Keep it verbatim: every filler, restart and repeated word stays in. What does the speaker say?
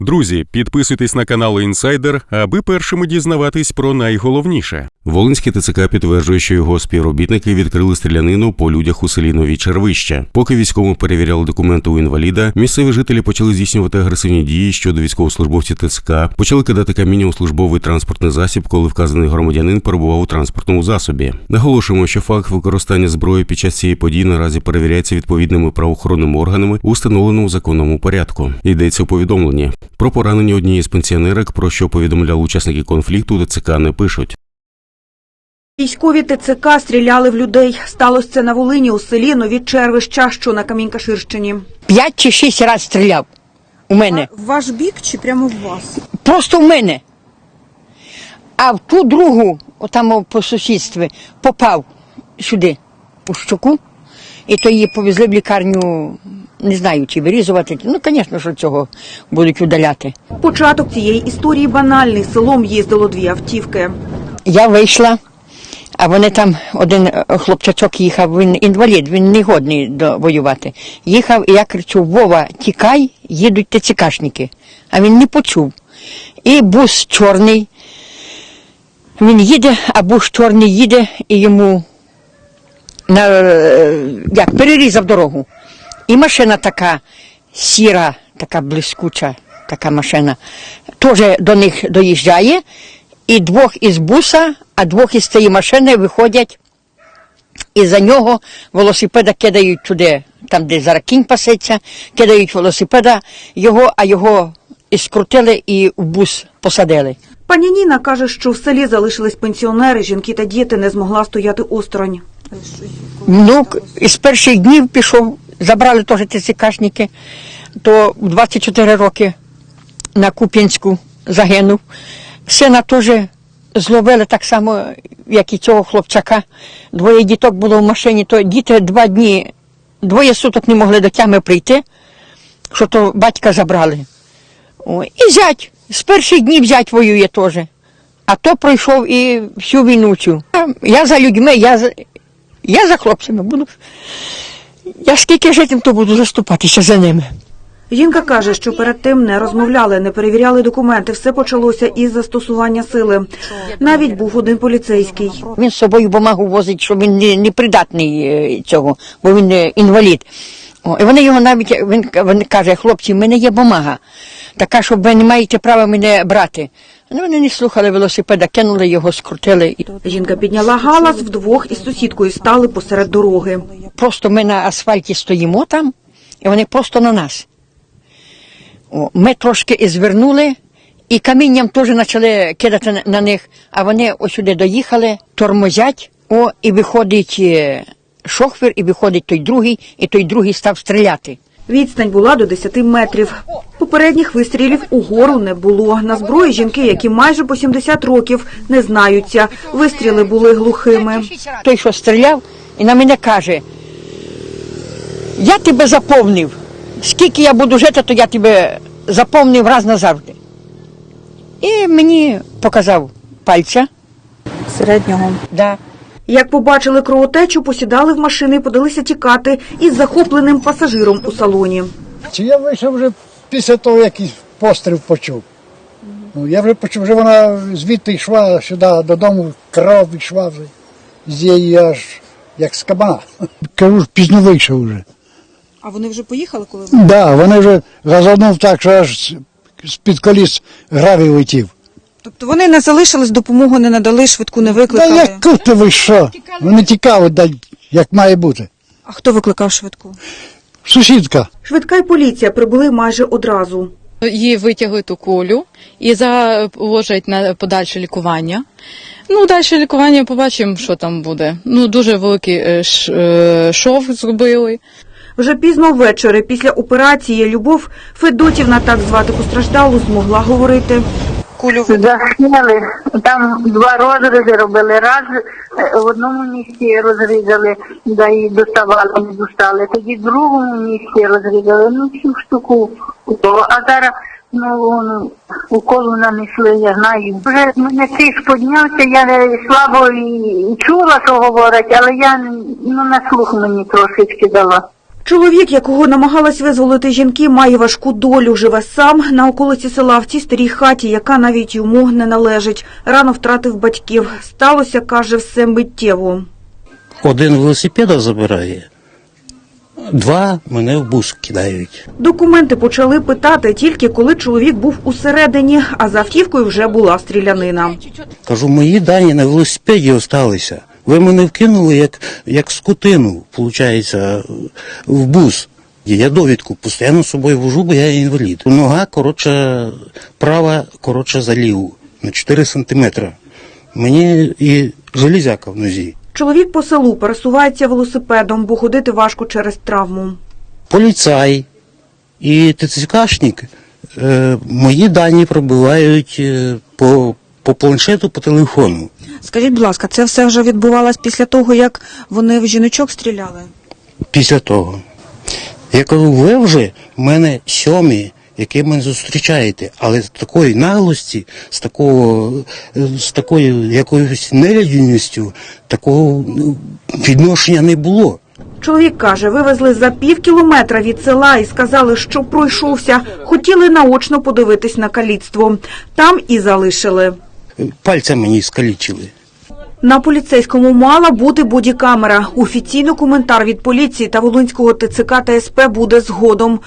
Друзі, підписуйтесь на канал «Інсайдер», аби першими дізнаватись про найголовніше. Волинський ТЦК підтверджує, що його співробітники відкрили стрілянину по людях у селі Нові Червища. Поки військовим перевіряли документи у інваліда, місцеві жителі почали здійснювати агресивні дії щодо військовослужбовців ТЦК, почали кидати каміння у службовий транспортний засіб, коли вказаний громадянин перебував у транспортному засобі. Наголошуємо, що факт використання зброї під час цієї події наразі перевіряється відповідними правоохоронними органами у встановленому законному порядку. Йдеться у повідомленні. Про поранення однієї з пенсіонерок, про що повідомляли учасники конфлікту, ТЦК не пишуть. Військові ТЦК стріляли в людей. Сталося це на Волині у селі Нові Червища, що на Камінь-Каширщині. П'ять чи шість разів стріляв у мене. А в ваш бік чи прямо в вас? Просто в мене. А в ту другу, отам по сусідстві, попав сюди, у щоку. І то її повезли в лікарню, не знаю, чи вирізувати. Ну, звісно, що цього будуть удаляти. Початок цієї історії банальний. Селом їздило дві автівки. Я вийшла, а вони там, один хлопчачок їхав, він інвалід, він не годний до воювати. Їхав, і я кричу: Вова, тікай, їдуть ТЦКшники. А він не почув. І бус чорний, він їде, а бус чорний їде, і йому на, як, перерізав дорогу. І машина така сіра, така блискуча, така машина, теж до них доїжджає. І двох із буса, а двох із цієї машини виходять, і за нього велосипеда кидають туди, там, де зараз кінь пасеться, кидають велосипеда його, а його і скрутили і в бус посадили. Пані Ніна каже, що в селі залишились пенсіонери, жінки та діти, не змогла стояти осторонь. Ну, із перших днів пішов, забрали теж ТЦКшники, то в двадцять чотири роки на Куп'янську загинув. Сина теж зловили так само, як і цього хлопчака. Двоє діток було в машині, то діти два дні, двоє суток не могли до тями прийти, що то батька забрали. О, і зять, з перших днів зять воює теж. А то пройшов і всю війну цю. Я за людьми, я за, я за хлопцями буду. Я скільки житим, то буду заступатися за ними. Жінка каже, що перед тим не розмовляли, не перевіряли документи. Все почалося із застосування сили. Навіть був один поліцейський. Він з собою бумагу возить, що він не, не придатний цього, бо він інвалід. О, і вони його навіть, він, він каже: хлопці, в мене є бумага, така, що ви не маєте права мене брати. Ну, вони не слухали велосипеда, кинули його, скрутили. Жінка підняла галас, вдвох із сусідкою стали посеред дороги. Просто ми на асфальті стоїмо там, і вони просто на нас. О, ми трошки і звернули, і камінням теж почали кидати на, на них, а вони ось сюди доїхали, тормозять, о, і виходить шофер, і виходить той другий, і той другий став стріляти. Відстань була до десяти метрів. Попередніх вистрілів угору не було. На зброї жінки, які майже по сімдесят років, не знаються. Вистріли були глухими. Той, що стріляв, і на мене каже: я тебе заповнив. Скільки я буду жити, то я тебе заповнив раз назавжди. І мені показав пальця. Середнього. Да. Як побачили кровотечу, посідали в машини і подалися тікати із захопленим пасажиром у салоні. Чи я вийшов вже після того, як постріл почув. Ну, я вже почув, вже вона звідти йшла сюди додому, кров йшла вже з її аж як з кабана. Кажу, пізно вийшов вже. А вони вже поїхали, коли ви? Так, да, вони вже газанув так, що аж з-під коліс гравій летів. Тобто вони не залишились, допомогу не надали, швидку не викликали? Та як тут ви що? Вони тікали, да, як має бути. А хто викликав швидку? Сусідка. Швидка й поліція прибули майже одразу. Її витягли ту кулю і заложать на подальше лікування. Ну, далі лікування побачимо, що там буде. Ну, дуже великий шов зробили. Вже пізно ввечері, після операції, Любов Федотівна, так звати постраждалу, змогла говорити. Кулю засняли, там два розрізи робили, раз в одному місці розрізали, да і доставали, не достали, тоді в другому місці розрізали, ну всю штуку, а зараз ну, уколу нанесли, я знаю. Вже мене тиск піднявся, я слабо і чула, що говорять, але я ну, на слух мені трошечки дала. Чоловік, якого намагалась визволити жінки, має важку долю. Живе сам на околиці села в цій старій хаті, яка навіть йому не належить. Рано втратив батьків. Сталося, каже, все миттєво. Один велосипеда забирає, два мене в бус кидають. Документи почали питати тільки коли чоловік був усередині, а за автівкою вже була стрілянина. Кажу, мої дані на велосипеді залишилися. Ви мене вкинули як, як скотину, виходить, в бус. Я довідку постійно з собою вожу, бо я інвалід. Нога коротше, права коротше за ліву на чотири сантиметри. Мені і железяка в нозі. Чоловік по селу пересувається велосипедом, бо ходити важко через травму. Поліцай і ТЦКшник е, мої дані пробивають е, по, по планшету, по телефону. Скажіть, будь ласка, це все вже відбувалось після того, як вони в жіночок стріляли? Після того. Я кажу, ви вже в мене сьомі, які мене зустрічаєте, але з такої наглості, з такого, з такою якоюсь нелюдяністю, такого відношення не було. Чоловік каже, вивезли за пів кілометра від села і сказали, що пройшовся. Хотіли наочно подивитись на каліцтво. Там і залишили. Пальця мені скалічили. На поліцейському мала бути бодікамера. Офіційно коментар від поліції та Волинського ТЦК та СП буде згодом.